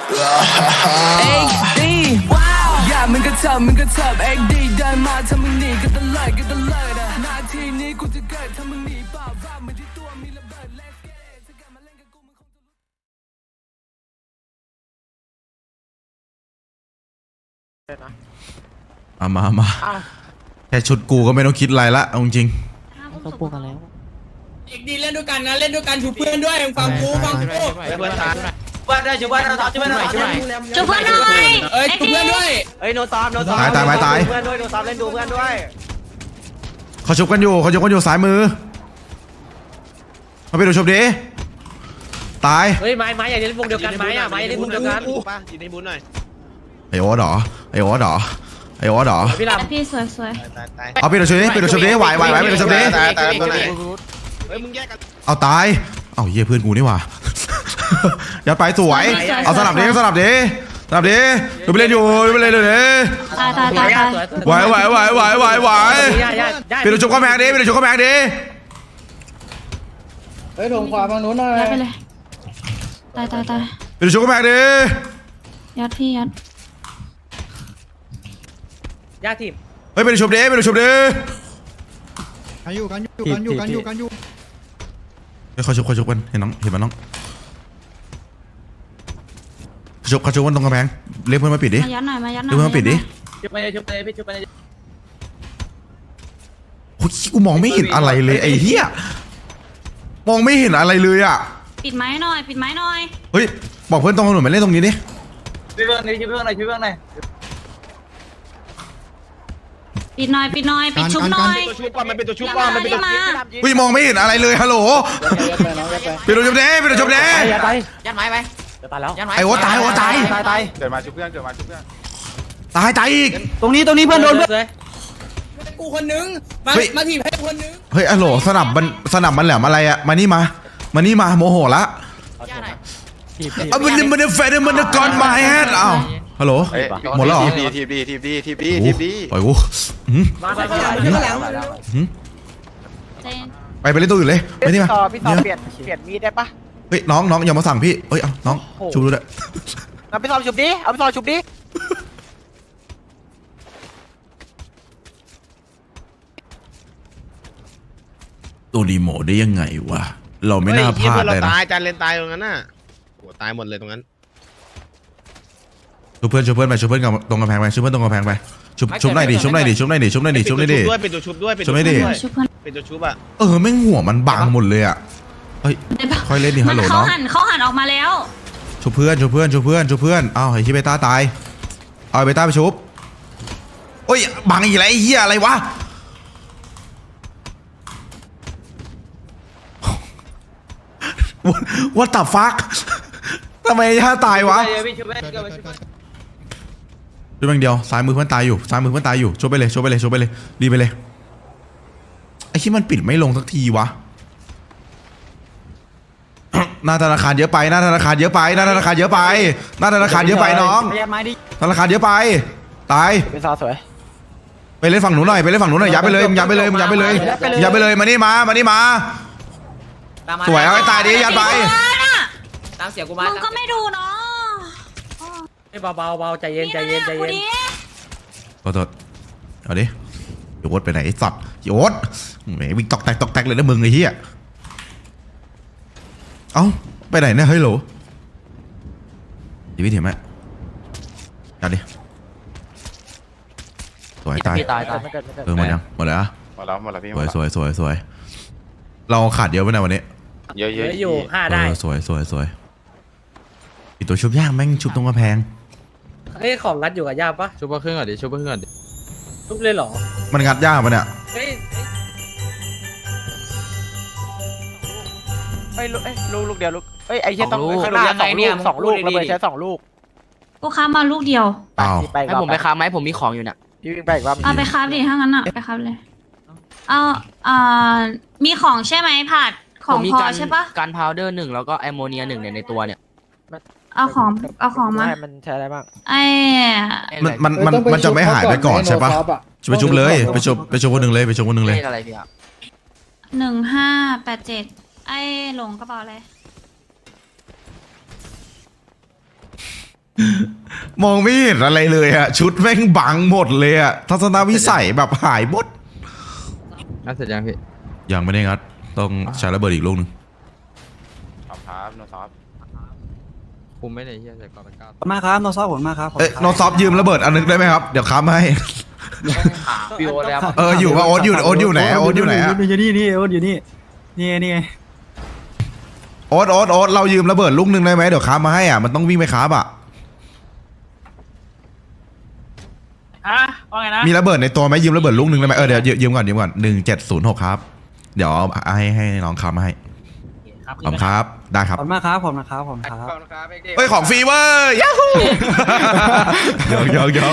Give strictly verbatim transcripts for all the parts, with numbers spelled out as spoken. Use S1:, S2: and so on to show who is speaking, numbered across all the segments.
S1: เอ็กดีอย่ามึงก็เถิบมึงก็เถิบเอ็กดีเดินมาถ้ามึงหนีก็ตะเลิดก็ตะเลิดนาทีนี้กูจะเกิดถ้ามึงหนีเปล่าว่ามันที่ตัวมีระเบิด Let's get it ถ้ากลับมาเล่นกับกูมึงคงจะรู้
S2: เอามามาแค่ชุดกูก็ไม่ต้องคิดอะไรละเอาจริง
S3: ต้องพูดกันแล้ว
S4: เอกดีเล่นด้วยกันนะเล่นด้วยกันชูเพื่อนด้วยฟังกูฟังกูเพื่อนตายเพื่อนได้ชูเพื่อนเราชูเพื่อนหน่อยชูเพื่อนชูเพื่อนหน่อยเอ้ยชูเพื่อนด้วยเอ้ยโนซอมโนซอม
S2: ตายตายตายตาย
S4: เพื่อนด้วยโนซอมเล่นดูเพื่อนด้วย
S2: เขาชุบกันอยู่เขาชุบกันอยู่ซ้ายมือมาไปดูชุบดิตาย
S4: เฮ้ยไม้ไม้อย่าเล่นวงเดียวกันไม้อะไม้เล่นวงเดียวกันป่ะอยู่ในบุญหน่อย
S2: ไอโอ๊ตหรอไอโอ๊ตหรอไอโอ๊ตหรอ
S4: พี่ล
S3: ำพี่สวยสวย
S2: เอาไปดูชุบดิไปดูชุบดิไหวไหวไหวไปดูชุบดิ
S4: ตายตายตัวไหนเฮ้ยมึงแยกกัน
S2: เอาตายเอาเยี่ยเพื่อนกูนี่หว่ายัดไปสวยเอาสลับดิสลับดิสลับดิดูไปเล่นอยู่ดูไปเล่นเลย
S3: ตายตายตายตาย
S2: ไหวไหวไหวไหวไหวไหวไปดูชุบข้าวแมงดิไปดูชุบข้าวแมงดิ
S5: เฮ้ยลงขวาฝั่งนู้นหน่อย
S3: ยัดไปเลยตายตายตาย
S2: ไปดูชุบข้าวแมงดิ
S3: ยัดพี่ยัด
S4: ยาทีม
S2: เฮ้ยไปดูชุบดิไปดูชุบดิ
S5: กันอยู่กันอยู่กันอยู่กันอยู่กันอยู่
S2: เฮ้ยเขาชุบเขาชุบกันเห็นน้องเห็นมันน้องชุบเขาชุบกันตรงกระแพงเรียกเพื่อนมาปิดดิ
S3: มายัดหน่อยมายัดหน่อย
S2: เรียกเพื่อนมาปิดดิ
S4: ชุบไปชุบไปพี่ชุบไป
S2: โอ้ยกูมองไม่เห็นอะไรเลยไอ้เหี้ยมองไม่เห็นอะไรเลยอ่ะ
S3: ปิดไม้หน่อยปิดไม้หน่อย
S2: เฮ้ยบอกเพื่อนตรงถนนมาเล่นตรงนี้ดิ
S4: ช่วยเพื่อนหน่อยช่วยเพื่อนหน่อยช่วยเพื่อนหน่อย
S3: ปิดหน่อยปิดหน่อยปิดชุบหน่อย
S4: ตัวชุบก่อนมันเป็นตัวชุบก่อนมันเป็นตัวชุบ
S2: เฮ้ยมองไม่เห็นอะไรเลยฮัลโหลไปดูชุบเด้ไปดูชุบเด้
S4: ยัดไปยัดไม้ไปจะตายแล้ว
S2: ไอ้โอ้ตายโอ้ตาย
S4: ตายตาย
S5: เกิดมาชุบเพื่อนเกิดมาชุบเพื่อน
S2: ตายตายอีก
S4: ตรงนี้ตรงนี้เพื่อนโดนเพื่อนกูคนนึงมามาทีมให้คนนึง
S2: เฮ้ยฮัลโหลสนับมันสนับมันแหลมอะไรอะมานี่มามานี่มาโมโหละเอามันมันแฟนมันก่อนมาแฮดอ้าวฮัลโหลหมดแล้วเหรอ
S5: ทีบดีทีบดีทีบดีทีบดี
S2: ปล่อยกู
S4: มาไป
S2: ไปไปเล่นตัวอื่นเลยไปนี่มา
S4: พี่ต่อเปลี่ยนเปลี่ยนมีดได้ปะ
S2: เฮ้ยน้องน้องอย่ามาสั่งพี่เฮ้ยเอาน้องชุบดูด้วย
S4: เอาไปซอยชุบดิเอาไปซอยชุบดิ
S2: ตัวดีโมได้ยังไงวะเราไม่น่าพลาดเลยนะ
S6: ตายจานเลนตายตรงนั้นน่ะโหตายหมดเลยตรงนั้น
S2: ชุบเพื่อนชุบเพื่อนไปชุบเพื่อนกับตรงกำแพงไปชุบเพื่อนตรงกำแพงไปชุบชุบหน่อยดิชุบหน่อยดิชุบหน่อยดิชุบหน่อยดิชุบหน่อยดิ
S6: ด้วยเป็นตัวชุบด้วยเป็นตัวชุบด้วยเป็นตัวชุบอ่ะ
S2: เออแม่งหัวมันบังหมดเลยอ่ะเฮ้ยค่อยเล่นดิฮัลโหลน้อง
S3: เขาหันเขาหันออกมาแล้ว
S2: ชุบเพื่อนชุบเพื่อนชุบเพื่อนชุบเพื่อนอ้าวไอ้ชิเบต้าตายเอาเบต้าไปชุบโอ้ยบังอีกแล้วไอ้เหี้ยอะไรวะว่าตับฟักทำไมท่าตายวะช่วยแม่งเดียวซ้ายมือเพื่อนตายอยู่ซ้ายมือเพื่อนตายอยู่ช่วยไปเลยช่วยไปเลยช่วยไปเลยดีไปเลยไอ้ที่มันปิดไม่ลงสักทีวะหน้าธนาคารเยอะไปหน้าธนาคารเยอะไปหน้าธนาคารเยอะไปหน้าธนาคารเยอะไปน้องธนาคารเยอะไปตาย
S4: เป็นซาสวย
S2: ไปเล่นฝั่งหนูหน่อยไปเล่นฝั่งหนูหน่อยยับไปเลยยับไปเลยยับไปเลยยับไปเลยมานี่มามานี่มาสวยเอาให้ตายดิยัดไป
S4: ตามเสียกูมา
S3: มึงก็ไม่ดูเนาะ
S4: เฮ้ยเบาเบาเบาใจเย็นใจเย็นใจเย็น
S2: ขอโทษเอาดิโยดไปไหนสัตว์โยดแหมวิ่งตอกแตกตอกแตกเลยนะมึงไอ้เหี้ยเอ้าไปไหนเนี่ยเฮ้ยโหลดีวิธีไหมเอาดิสวยตาย
S4: ตายตาย
S2: เออหมดยังหมดแล้ว
S5: หมดแล้วหมดแล้วพี่
S2: สวยสวยสวยสวยเราขาดเยอะไปไหนวันนี้
S5: เยอะเยอะ
S4: อยู่ห้าได้
S2: สวยสวยสวยอีตัวชุบย่างแม่งชุบตรงกระแพง
S4: เฮ้ยของงัดอยู่กับย่าปะ
S6: ชุบเพื่อนก่อนดิชุบเพื่อนก่อนดิ
S4: ชุบเลยเหรอ
S2: มันงัดย่างปะเนี่ย
S4: เฮ้ยเฮ้ยลูกลูกเดียวลูกเฮ้ยไอ้เชี่ยต้องข้างหน้าสองลูกสองลูกระเบิดใช้สองลูก
S3: กูค้ามาลูกเดียว
S4: ให้ผมไปค้าไหมผมมีของอยู่น่ะพี่วิ่งไปอีกรอบ
S3: เอาไปค้าดิถ้างั้นอ่ะไปค้าเลยเอาอ่ามีของใช่ไหมผัดของพอใช่ปะ
S4: การพาวเดอร์หนึ่งแล้วก็แอมโมเนียหนึ่งเนี่ยในตัวเนี่ย
S3: เอาของเอาของมา
S4: มันใช้อะไรบ้าง
S3: ไอ้
S2: มันมันมันมันจะไม่หายไปก่อนใช่ปะไปชุบเลยไปชุบไปชุบคนหนึ่งเลยไปชุบคนหนึ่งเลย
S4: อะไรพี่อ่ะ
S3: หนึ่งห้าแปดเจ็ดไอ้หลงกระเป๋าอะไร
S2: มองไม่เห็นอะไรเลยอะชุดแม่งบังหมดเลยอะทัศนวิสัยแบบหายหมด
S6: น่าเสร็จยังพี่
S2: ยังไม่ได้งัดต้องใช้ระเบิดอีกลูกนึง
S7: ขอบครับโนซอฟ
S6: คุมไม่ได้เฮียใส่ก่อนเป็นก้าว
S5: ขอบคุณมากครับโนซอฟผมมากครับ
S2: เอ้ยโนซอฟยืมระเบิดอันนึงได้ไหมครับเดี๋ยวค้ำให้
S7: พี่โอ๊ตแล้ว
S2: เอออยู่ว่าโอ๊ตอยู่โอ๊ตอยู่ไหนโอ๊ตอยู่ไหนอะ
S5: อยู่นี่นี่โอ๊ตอยู่นี่นี่นี่ไง
S2: โอ๊ตโอ๊ตโอ๊ตเรายืมระเบิดลูกนึงได้ไหมเดี๋ยวค้ำมาให้อ่ะมันต้องวิ่งไปค้ำอ่ะ
S4: ฮะว่าไงนะ
S2: มีระเบิดในตัวไหมยืมระเบิดลูกนึงได้ไหมเออเดี๋ยวยืมก่อนยืมก่อนหนึ่งเจ็ดศูนย์หกครับเดี๋ยวให้ให้น้องค้ำมาให้ขอบครับได้ค
S5: ข
S2: รั
S5: อบบ คุณมากครับผมนะครับผมครับ
S7: ขอบคุณครับเด็กๆ
S2: เฮ้ยของฟรีเว้ยยัฮูยอกยอกยอก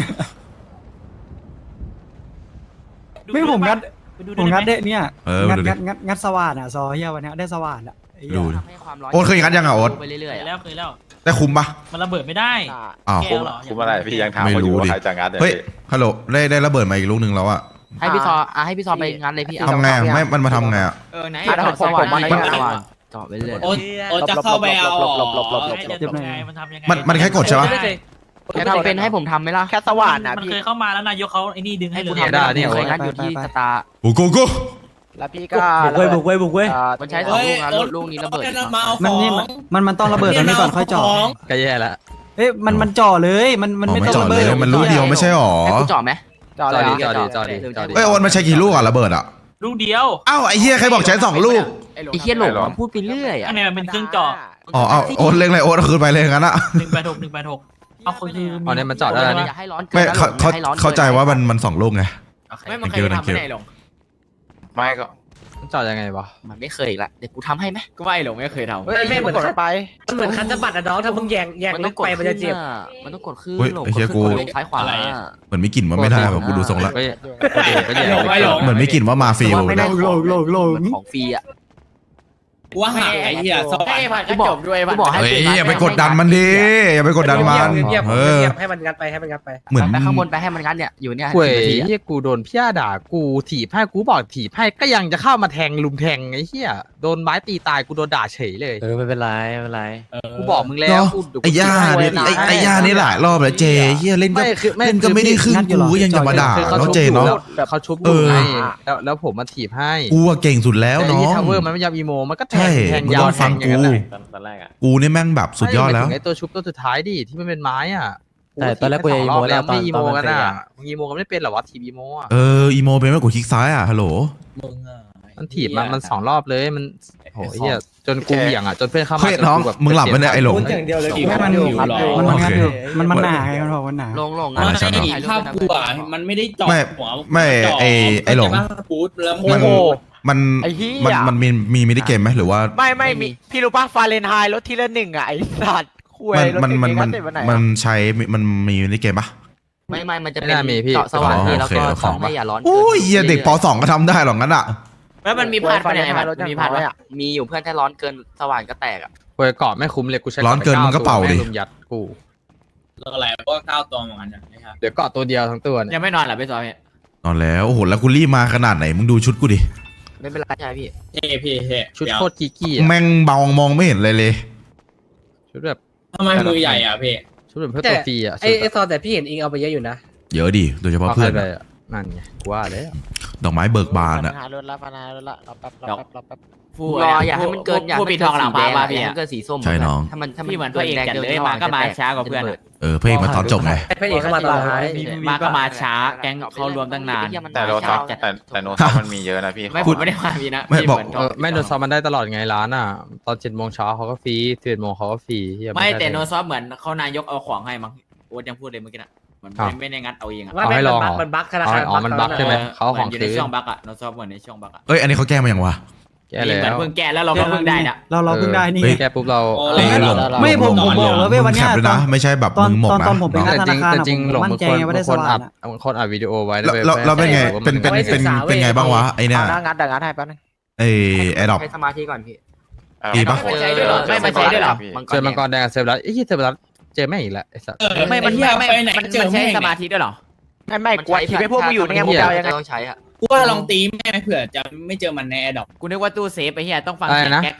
S5: ไม่ผมงัดผมงัดได้เนี่ย
S2: เออ
S5: งัด
S2: ดูดิ
S5: งัดงัดงัดสว่านอ่ะซอเฮียวันนี้ได้สว่านอ่ะไอ้เหี้ย
S2: ดูดิโอ๊ตเคยงัดยังอ่ะโอ๊ต
S4: ไปเรื่อยๆแล้วเคยแล้ว
S2: ได้คุ้มปะ
S4: มันระเบิดไม่ได้
S2: อ้าว
S4: แก้วเหรอ
S7: คุ้มอะไรพี่ยังถาม
S2: ไม่
S7: เขาอ
S2: รู้
S7: ยู่ว่า
S2: ดิ
S7: ใครจะงัดเนี่ย
S2: เฮ้ย
S7: พี่
S2: ฮัลโหลได้ได้ระเบิดมาอีกลูกนึงแล้วอะ
S8: ให้พี่ซออ่ะให้พี่ซอไปงานเลยพี่
S2: ทำไงอะไม่มันมาทำไงอะ
S8: เออไหน
S7: ถ้าผมผมมัน
S8: ไม่สว่างเจาะไปเรื่อย
S4: โอ๊ตโอ๊ตจะเข้าไปเอา
S7: หลบหลบหลบหลบหลบ
S4: ให้เดี๋ยวตกไงมันทำยังไง
S2: มันมันแค่กดใช่ปะ
S8: แค่ทำเป็นให้ผมทำไหมล่ะ
S7: แค่สว่านนะ
S4: มัน
S7: พี่
S4: เคยเข้ามาแล้วนายกเขาไอ้นี่ดึงให้
S8: ให้
S4: เล
S8: กู
S4: ย
S8: ทำได้เนี่ยเคยงัดอยู่ที่สตาร์
S2: โอ้โกโก้
S7: แล้วพี่ก็
S5: บุกเว้ยบุกเว้ยบุกเว้ย
S7: อ่า
S8: มันใช้สองลูกนะลูกนี้ระเบิด
S4: มาเอาข
S5: มัน
S4: อง
S5: นี่มันมันมันต้องระเบิดตรงนี้ก่อนค่อยเจ่อ
S6: ก็แย่ละ
S5: เอ้ยมันมันจ่อเลยมันมัน
S2: อ๋อ
S5: ไม่
S2: ไม่
S5: ต้อง
S2: จอด
S5: ระเบิ
S2: เล
S5: ด
S2: ยมันลูกเดียวไม่ใช่หรอ
S8: ให้กูเจาะไหม
S7: จอด
S6: จอ
S7: เลย
S6: ดีจอดีจอดีจอดี
S2: เอ้ยโอนมันใช้กี่ลูกอะระเบิดอะ
S4: ลูกเดียว
S2: อ้าวไอ้เหี้ยใครบอกใช้สองลูก
S8: ไอ้เหี้ยหลงมันพูดไปเรื่อยอ่ะ
S4: อันนี้มันเป็นเครื่องเจาะ
S2: อ๋อเอาโอนเล่งอะไรโอนเอาคืนไปเลยงั้นอะ
S4: หนึ่งแปดหกหนึ่งแปดหกเอาคือ
S6: อ๋อเนี่ยมันเจาะได้แล้วนี่
S8: อย่าให้ร้อนเกิ
S2: ไม่
S8: นนะ
S2: เขาเขา
S8: อย่ให้ร้อนกิน
S2: เข้าใจว่ามันมันสองลูกไง
S8: ไม่มันเคยทำไม่ได้หลง
S7: ไม่ก็
S6: มันเจาะยังไงวะ
S8: มันไม่เคยอีกละเดี๋ยวกูทำให้ไหม
S9: ก็ไม่หลงไม่เคยทำ
S7: เฮ้ยไม่เหมือนกันไป
S9: มันเหมือนคันสะบัดอะน้องถ้ามึงแยงแยง
S8: มัน
S9: ลึ
S8: ต้อง
S9: ก
S8: กด
S9: ไปมันจะเจ็บ
S8: มันต้องกดขึ้น
S2: เฮ้ย
S8: หลง
S2: ไอ้เหี้ย
S8: กดขึ้น
S2: กู
S8: กดลงซ้ายขวา
S2: เหมือนมีกลิ่นว่าไม่ได้แบบกูดูทรงละ
S6: ก็ก็แย่
S2: เหมือนมีกลิ่นว่ามาฟิล
S8: ไม่ได้
S5: โลกโลกโลก
S8: เหมือนของฟรีอ่ะ
S4: ว่าหาไอ้เหี้ยสว่าง
S9: ให้ผ่านก็จบด้วย
S8: กูบอกให้
S2: เฮ้ยอย่าไปกดดันมันดิอย่าไปกดดันมัน
S9: เงียบ
S2: เอ
S9: ๆ
S2: อ
S9: เงียบๆให้มันงัดไปให้มันงัดไป
S2: เหมือน
S8: ไปข้างบนไปให้มันงั้นเนี่ยอยู่เนี่ย
S6: เว้ย
S8: สิบนาทีอะ
S6: เฮียกูโดนพี่อาด่ากูถีบให้กูบอกถีบให้ก็ยังจะเข้ามาแทงลุมแทงไอ้เหี้ยโดนไม้ตีตายกูโดนด่าเฉยเลย
S9: เออไม่เป็นไรไม่เป็นไร
S6: กูบอกมึงแล้
S2: เนาะ
S6: วกูเดี๋วกู
S2: ไอ้ย่า
S6: ถีบให้
S2: เนี่ยไอ้ไอ้ย่านี่หลายรอบแล้วเจเฮียเล่นก็
S6: ไม่คือไม่
S2: เล่นก็ไม่ได้ครึ่งกูก็ยังจะมาด่า
S6: คือเขา
S2: เนาะ
S6: ชุบ
S2: เจ
S6: อยู่
S2: เนาะ
S6: แล้วเขาชุบอ
S2: เอยู่อ
S6: ไงแล้วแล้วผมมาถีบให้
S2: กูอะเก่งสุดแล้ว
S6: แต่
S2: น้อ
S6: ที่
S2: ง
S6: ทาวเวอร์มันไม่ยอมอีโมมันก็แท
S2: ใช่
S6: งแทง
S2: มึง
S6: ยา
S2: ต้
S6: ว
S2: องฟัง
S6: แทอย่าง
S2: กู
S6: นั้นน่ะ
S7: ตอนแรกอ่ะ
S2: กูนี่แม่งแบบสุดยอดแล้ว
S6: ไม่หมายถึงไอ้ตัวชุบตัวสุดท้ายดิที่มันเป็นไม้อ่ะ
S9: แต่ตอนแรกกูยังอีโม
S6: แล้ว
S9: ตอน
S6: ไม่อีโม
S9: ตอนมัน
S6: กัน
S9: เตะ
S6: อ่ะ
S9: อะ
S6: มึงอีโมกันไม่เป็นเหรอวะทีมอีโมอ่ะ
S2: เอออีโมเป็นไหมกูคลิกซ้ายอ่ะฮัลโหล
S4: มึงอ่ะ
S6: มันถีบมันมันสองรอบเลยมันโหเฮียจนกูเหวี่ยงอ่ะจนเพื่อนเข้ามา
S2: เฮ้ยน้อง
S6: จกูแบบ
S2: มึงหลับไปเนี่ยไอ้หลง
S5: ให้มันมันมันงัดอยู่มันมันหนาไงมันบอกมันหนา
S8: ลงลง
S2: อ่าใช่เนอะ
S8: ถ่ายรูป
S4: ภาพ
S8: ด้วยนะ
S4: กูอ่ะมันไม่ได้เจาะ
S2: ไม่
S4: หัว
S2: ไม่ไอ้ไอ้หลง
S4: ปูดแล้ว
S2: มัน
S4: โอ้โห
S2: มัน
S7: ไอ้เหี้ย
S2: มันมันมีมีมินิเกมไหมหรือว่า
S7: ไม่ไม่มีพี่รู้ป่ะฟาเรนไฮต์ลดทีละหนึ่งอ่ะไอ้สัตว์คุย
S2: มันมันมันมัน
S7: รถติดวันไห
S2: มัน
S7: อะ
S2: ใช้มันมีมินิเกมปะ
S8: ไม่ไม่มันจะเป็
S6: ไม่
S8: น
S6: น่ามีพี่
S8: เจาะสว่างนี่แล้วก็
S2: โอเคโอเค
S8: ของให้อย่าร้อน
S2: โอ้ยเหี้ยเด็กปสองก็ทำได้หรอกงั้นอ่ะ
S8: แล้วมันมีพลาดไปไหน
S7: ไฟฟ้า
S8: มัน
S7: รถยัง
S8: มีพลาด
S7: น้อย
S8: ปะ
S7: อะ
S8: มีอยู่เพื่อนถ้าร้อนเกินสว่างก็แตกอ่ะ
S6: เว้ยเกาะไม่คุ้มเลยกูใช้
S2: ร้อนเกินมึงก็เป่าดิ
S6: แม่ลุมยัดกู
S4: แล้วอะไรพวกก้าวตัวเหมือนกันนะครับ
S6: เดี๋ยวเกาะตัวเดียวทั้งตัวเนี่ย
S9: ยังไม่นอนเหรอพี่ซอย
S2: นอนแล้วโอ้โหแล้วกูรีบมาขนาดไหนมึงดูชุดกูดิ
S8: ไม่เป็นไรใช่ไหมพี่
S4: เฮ้พี่เฮ้
S6: ชุดโคตรกีกี้อะ
S2: แม่งเบามองไม่เห็นเลยเลย
S6: ชุดแบบ
S4: ทำไมมือใหญ่อ่ะพี่
S6: ชุดแบบเพื่อตัวฟรีอ่ะ
S9: ไอ้ไอ้ซอยแต่พี่เห็นอิงเอาไปเยอะอยู่นะ
S2: เยอะดิโดยเฉพาะ
S6: เอา
S2: เพื่อน
S6: ใครไป
S2: อะ
S6: อะนั่นไงกูว่าแล้ว
S2: ดอกไม้เบิกบานอ่ะ
S7: ปัญหารถละปัญหารถละรอแป๊บรอแป๊บรอแป๊บ
S9: ฟู
S8: รออย่าให้มันเกินอย่าให้
S9: ผู้
S8: มัน
S9: ปิด
S8: เกิ
S9: ทองหลังพา
S8: สีแด
S9: มา
S8: อะ
S9: พี่
S8: อย่าให้
S9: อะ
S8: มันเกินสีส้ม
S2: ใช่น้อง
S8: ถ้ามันถ้ามัน
S9: พี่เหมือนพระเอกจัดเลยมาก็มาช้ากว่าเพื่อนอะ
S2: เออพระเอกมาตอนจบไง
S9: พระเอกเข้ามาตอนท้ายมาก็มาช้าแก๊งเขารวมตั้งนาน
S7: แต่โนซอฟแต่แต่โนซอฟมันมีเยอะนะพี่
S9: ไม่ผมไม่ได้มาพี่นะ
S2: ไม่
S9: พี่
S2: บอก
S9: เหมือน
S6: เออไม่โดนซ้อมมันได้ตลอดไงร้านอ่ะ ตอนเจ็ดโมงเช้าเขาก็ฟรีสิบเอ็ดโมงเขาก็ฟรีเหี้ย
S9: ไม่
S6: ด้
S9: แต่โนซอฟเหมือนเขานายกเอาของให้มั้งโอ๊ตยังพูดเลยเมื่อกี้น่ะเหมือน
S6: อ้าว
S9: ไม่ได้งัดเอาเองอะ
S6: เอาให้ลองเหรอ
S9: มันบั๊กธนาคาร
S6: อ๋อมันบั๊กใช่ไหม เขาเอาของ
S9: อยู่
S6: คื
S9: ใน
S6: น
S9: ช่วงบั๊กอะโนซอฟเหมือนในช่วงบั๊กอะ
S2: เอ้ยอันนี้เขาแก้มาอย่างวะ
S6: แก้แล้
S9: เหมือน
S6: ว
S9: เพิ่งแก้แล้วเราก็เพิ่งได้น่ะ
S5: เราเราเพิ่งได้นี่
S2: เฮ้ย
S6: แก้ปุ๊บเรา
S4: โอ้
S2: เอ้ยหลง
S5: ไม่ผมผมบอกแล้วเว้ยวันเนี้ย
S2: มึงแคปด้วยนะไม่ใช่แบบ
S5: ตอน
S2: มึงหมก
S5: ตอน
S2: นะ
S5: ตอนผมไป
S2: น้อง
S5: งัด
S6: แต่จริงแต่จริงหลง
S5: มั่น
S6: บาง
S5: ใจ
S6: คน
S5: ไงว่าได้
S6: บางคน
S5: สว่าง
S6: อัด
S5: อะ
S6: บางคนอัดวิดีโอไว้
S2: แล้ว
S6: ไป
S2: แล้วแล้วเป็นไง
S6: ว่า
S2: เป็นเป็น
S6: มั
S2: เป็นเป็นไงบ้างวะไอเนี่ย
S7: เอาหน้างัดแต่งัดให้แป๊บนึง
S2: ไอแอดดอป
S8: ใช้สมาธิก่อนพี่
S2: ดีปะ
S9: ไม่ใช่ด้วยเหรอไม่ไม่ใช่ด้วยเหรอ
S6: เจอมังกรแดงกับเซฟรัสไอ้ยี่เซฟรัสเจอแม่งอีกแล้วไอ้สัส
S9: ไม่มัน
S4: เหี้ย
S9: ไม่
S4: ไปไหน
S9: มัน
S4: เจอ
S9: มันใช้
S4: แม่ง
S9: สมาธิด้วยเหรอ
S7: ไม่ไม่กลัวทีไปพวกมึงอยู่นี่ไงมึงจะเอายังไง
S8: ต้องใช้อะ
S4: กูว่าลองตีแม่เผื่อจะไม่เจอมันในแอร์ดอป
S9: กูนึกว่าตู้เซฟไปเฮียต้องฟัง
S6: อะไร
S9: เสียง
S6: นะ
S9: แก๊กอะ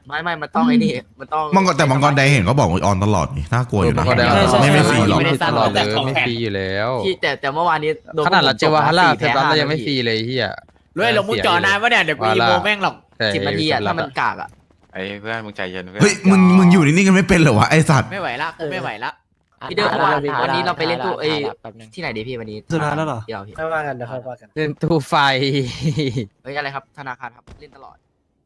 S8: ไม่ไม่มันต้องไอ้นี่มันต้อง
S2: มังกรแต่มังกรแดงเห็นเขาบอกว่าออนตลอดนี่น่ากลัวอยู่นะ
S6: มังกรแดง
S2: ไม่ไม่ฟรีหรอก
S6: ไม่ได้ตลอดเลยไม่ฟรีอยู่แล้ว
S8: ที่แต่แต่เมื่อวานนี้โดน
S6: ขนาดเราเจอวาฮาร่าเซ
S8: สี่
S6: ฟรัส
S8: แพ้
S6: เรายังไม่
S8: ห้
S6: ฟรีเลยเฮีย
S7: รวยหลงมุกจอนานวะเนี่ยเดี๋ยวกูอีโมแม่งหรอก
S8: สิบนาทีอะถ้ามันกากอะ
S10: ไอ้เพื่อนมึงใจเย็นเพื่อน
S2: เฮ้ยมึงมึงอยู่นิ่งๆกันไม่เป็นเหรอวะไอสัตว์
S7: ไม่ไหวละกูไม่ไหวละ
S8: พี่เดิมวันวันนี้เราไปเล่นตู้เอ้ที่ไหนดีพี่วันนี้
S5: สุดท้ายแล้วเหรอ
S8: เดี๋ยวพี่
S4: ไม่ว่ากันเดี๋ยวค่อยว่ากัน
S6: เล่นตู้ไฟ
S8: เฮ้ยอะไรครับธนาคารครับเล่นตลอด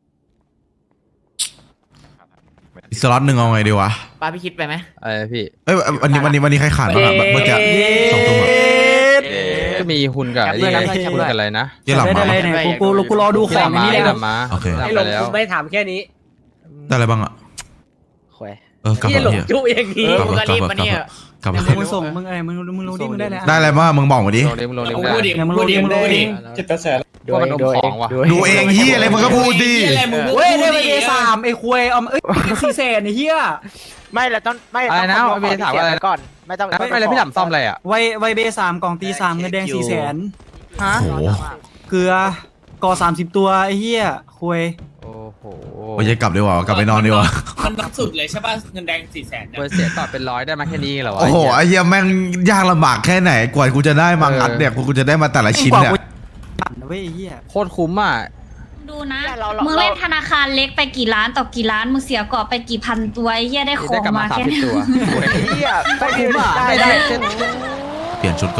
S2: อีกสล็อตหนึ่งเอาไงดีวะ
S7: ป้าพี่คิดไปไหม
S6: ไอ้พี่
S2: เอ้ยวันนี้วันนี้วันนี้ใครขาดบ้างอะเมื่อกี้สองตัวอะ
S6: ก็มีหุ่นกับไอ้นี่หุ่นกับอะไรนะ
S2: เยี่ยหลังมา
S5: กูกูกูรอดูของนี่แหละ
S6: กลับมา
S2: โอเค
S6: กลับไปแล้ว
S4: ไม่ถามแค่นี้
S2: ได้อะไรบ้างอะ
S7: แขว
S2: เออกลับ
S4: พี่
S2: มา
S4: หลง
S2: เฮีย
S4: จุอย่าง
S7: เอ
S4: นี้
S7: อมึงก็รีบมาเนี่ย
S2: กลับมา
S5: มึงส่งมึงอะไรมึงมึงรู้ดิมึงได้แล้ว
S2: ได้อะไรบ้างมึงบอกมาดิ
S6: ลงเล่มลงเล่ม
S4: พูดดิ
S6: ได้
S4: พูดดิพูดดิ
S6: ว่ามันอมของว่ะ
S2: ดูเองเฮียอะไรมึงก็พูดดิ
S4: อะไรมึงพูด
S5: เว้ยได้ไป
S4: ดิ
S5: เอสามไอ้ควยเอาเอ้ยสี่แสนไอ้เหี้ย
S7: ไม่เราต้องไม่
S6: อะไรนะ
S7: ต้อง
S6: เบถามว่าอะไร
S7: ก่อนไม่ต้อง
S6: ไม่ไม่เลยพี่ถามซ่อมอะไรอ่ะ
S5: ไวไวเบสามกล่องตีสามเงินแดงสี่แสน
S6: ฮะ
S2: โอ้โห
S5: เกลือก่อสามสิบตัวไอ้เหี้ยควย
S6: โอ้โห
S2: โอ้ยกลับดีกว่ากลับไปนอนดีกว่า
S4: มันนักสุดเลยใช่ป่ะเงินแดงสี่แสนเนี่ย
S6: เบอร์เสียต่อเป็นร้อยได้มาแค่นี้เหรอวะ
S2: โอ้โหไอ้เหี้ยแม่งยากลำบากแค่ไหนกว่ากูจะได้มางัดเนี่ยกูจะได้มาแต่ละชิ้นเนี่ย
S5: ปั่นนะเว้ยไอ้เหี้ย
S6: โคตรคุ้มอ่ะ
S3: ดูนะ มึงเล่นธนาคารเล็กไปกี่ล้านต่อกี่ล้าน มึงเสียเกาะไปกี่พันตัวไอ้เหี้ยได้ขอ
S6: ได้
S3: ง
S6: กลับมา
S3: มา
S6: สาม
S3: แค่
S6: สิบ
S3: นี้
S6: ตัว
S7: เฮีย
S6: โคตรคุ้มอ่ะได้ได้
S2: เปลี่ยนชุด